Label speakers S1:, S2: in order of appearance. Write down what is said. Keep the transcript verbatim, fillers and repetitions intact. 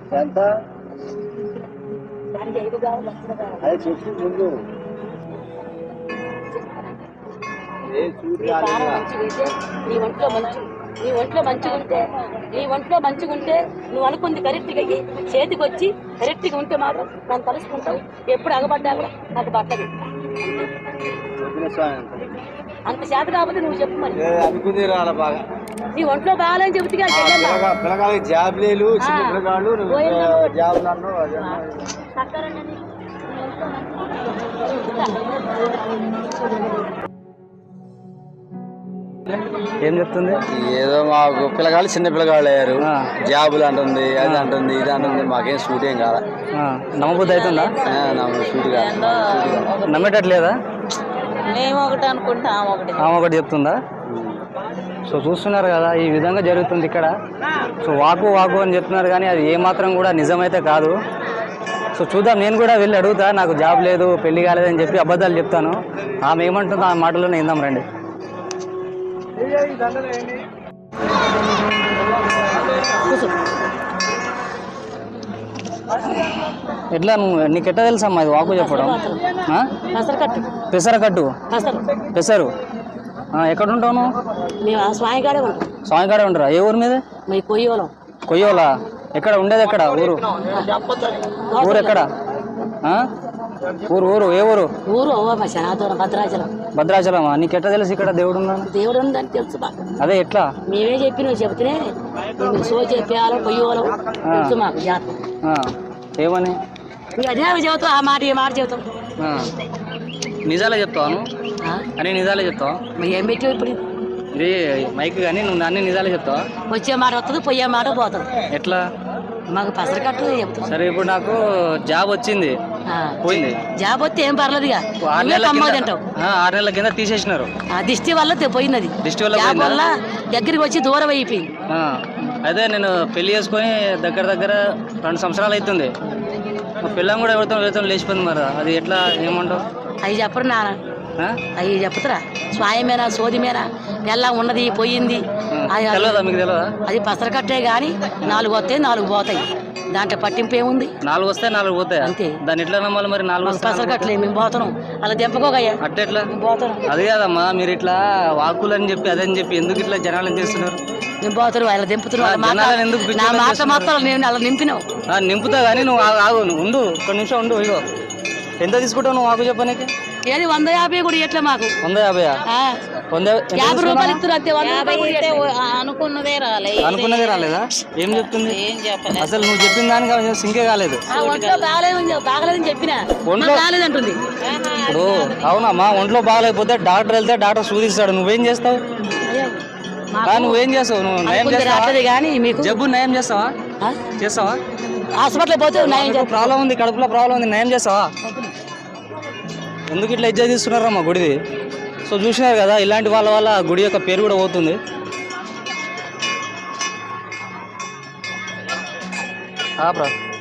S1: ఎంత అది చెప్పు ముందు
S2: నీ ఒంట్లో మంచి నీ ఒంట్లో మంచిగా ఉంటే నీ ఒంట్లో మంచిగా ఉంటే నువ్వు అనుకుంది కరెక్ట్గా అయ్యి చేతికి వచ్చి కరెక్ట్గా ఉంటే మాత్రం నన్ను తలుసుకుంటావు. ఎప్పుడు అగబడ్డా కూడా నాకు పట్టదు. అంత చేత కాకపోతే నువ్వు చెప్పు మరి.
S1: అనుకుంది రాల బాగా
S2: నీ ఒంట్లో బాగాలని చెబుతుగా
S1: పిల్లగాళ్ళకి జాబ్లేలు చిన్న పిల్లగాళ్ళు జాబులు అన్నావు.
S3: ఏం చెప్తుంది?
S1: ఏదో మాకు పిల్లగాళ్ళు చిన్న పిల్లగాళ్ళు అయ్యారు, జాబులు అంటుంది, అది అంటుంది, ఇది అంటుంది. మాకేం షూట్ ఏం కాదా?
S3: నమ్మబుద్ధి అవుతుందా?
S1: షూట్ కాదు.
S3: నమ్మేటట్లేదా?
S2: మేము ఒకటి అనుకుంటా ఒకటి
S3: ఆమె ఒకటి చెప్తుందా? సో చూస్తున్నారు కదా, ఈ విధంగా జరుగుతుంది ఇక్కడ. సో వాకు వాకు అని చెప్తున్నారు కానీ అది ఏమాత్రం కూడా నిజమైతే కాదు. సో చూద్దాం, నేను కూడా వెళ్ళి అడుగుతా. నాకు జాబ్ లేదు, పెళ్లి కాలేదని చెప్పి అబద్ధాలు చెప్తాను. ఆమె ఏమంటుందో ఆ మాటలోనే విందాం రండి. ఎట్లా నువ్వు నీకు ఎట్లా తెలుసమ్మా ఇది వాకు చెప్పడం? పెసరకట్టు పెసరు ఎక్కడ ఉంటావు నువ్వు?
S2: స్వామికాడే ఉంటాం.
S3: స్వామికాడే ఉంటారా? ఏ ఊరు మీద?
S2: కొయ్యోలం.
S3: కొయ్యోలా? ఎక్కడ ఉండేది? ఎక్కడ ఊరు? ఊరు ఎక్కడ? ఊరు ఊరు ఏ ఊరు?
S2: ఊరు భద్రాచలం.
S3: భద్రాచలమా? నీకు ఎట్లా తెలుసు ఇక్కడ దేవుడు ఉందని?
S2: దేవుడు ఉందని తెలుసు.
S3: అదే ఎట్లా?
S2: మేమే చెప్పి నువ్వు చెబితేనే సో చెప్పేవాళ్ళం పొయ్యోలం తెలుసు మాకు జాతర.
S3: ఏమని
S2: అదే చెబుతావు, ఆ మాట ఏ మాట చెబుతాం.
S3: నిజాలే చెప్తాను అని. నిజాలే చెప్తావా?
S2: ఏం పెట్టావు ఇప్పుడు?
S3: ఇది మైక్ కానీ నువ్వు అన్ని నిజాలే చెప్తావా?
S2: వచ్చే మాట వస్తుంది, పోయే మాట పోతుంది.
S3: ఎట్లా?
S2: మాకు పసరకట్టు చెప్తాం.
S3: సరే, ఇప్పుడు నాకు జాబ్ వచ్చింది, పోయింది.
S2: జాబ్ వస్తే ఏం పర్లేదు.
S3: ఆరు నెలల కింద తీసేసినారు.
S2: దిష్టి వల్ల పోయినది.
S3: దిష్టి వల్ల
S2: జాబ్ వల్ల దగ్గరికి వచ్చి దూరం అయిపోయింది.
S3: అదే నేను పెళ్లి చేసుకొని దగ్గర దగ్గర రెండు సంవత్సరాలు అవుతుంది. మా పిల్లని కూడా ఎవరితో ఎవరితో లేచిపోయింది. మరి అది ఎట్లా? ఏమంటావు?
S2: అవి చెప్పరు నాన్న, అవి చెప్తారా? స్వాయమేనా సోదిమేనా ఎలా ఉన్నది పోయింది
S3: తెలియదా? మీకు తెలియదా?
S2: అది పసరకట్టే గాని నాలుగు వస్తాయి, నాలుగు పోతాయి. దాంట్లో పట్టింపు ఏముంది?
S3: నాలుగు వస్తాయి, నాలుగు పోతాయి అంతే. దాన్ని ఎట్లా నమ్మాలి మరి? నాలుగు
S2: పసరకట్లే మేము పోతున్నాం. అలా దెంపకోగయ్యా
S3: అట్ట ఎట్లా
S2: పోతున్నాం?
S3: అది కాదమ్మా, మీరు ఇట్లా వాకులు అని చెప్పి అదని చెప్పి ఎందుకు ఇట్లా జనాలు చేస్తున్నారు?
S2: మేము పోతున్నాం, అలా దింపుతున్నాం. నా మాట మొత్తం నేను అలా నింపినావు.
S3: నింపుతా కానీ నువ్వు ఆగు, ఉండు ఒక్క నిమిషం ఉండు. ఇగో ఎంత తీసుకుంటావు నువ్వు వాకు చెప్పడానికి?
S2: ఏది వంద యాభై కూడా ఎట్లా మాకు?
S3: వంద యాభైయా?
S2: యాభై రూపాయలు ఇస్తున్నారు. అనుకున్నదే రాలేదు.
S3: అనుకున్నదే రాలేదా? ఏం చెప్తుంది అసలు? నువ్వు చెప్పిన దానికి సింకే కాలేదు.
S2: ఒంట్లో బాగాలేదు బాగలేదని చెప్పిన ఒంట్లో బాగాలేదంటుంది.
S3: ఇప్పుడు అవునమ్మా, ఒంట్లో బాగాలేకపోతే డాక్టర్ వెళ్తే డాక్టర్ సూదిస్తాడు. నువ్వేం చేస్తావు? నువ్వేం చేస్తావు? నువ్వు నయం చేస్తావు
S2: కానీ మీకు
S3: జబ్బు నయం చేస్తావా? చేస్తావా?
S2: హాస్పిటల్ పోతే
S3: ప్రాబ్లం ఉంది, కడుపులో ప్రాబ్లం ఉంది, నయం చేస్తావా? ఎందుకు ఇట్లా ఇజ్జత్ తీస్తున్నారమ్మా గుడిది? సో చూసినారు కదా, ఇలాంటి వాళ్ళ వల్ల గుడి యొక్క పేరు కూడా పోతుంది. ప్రా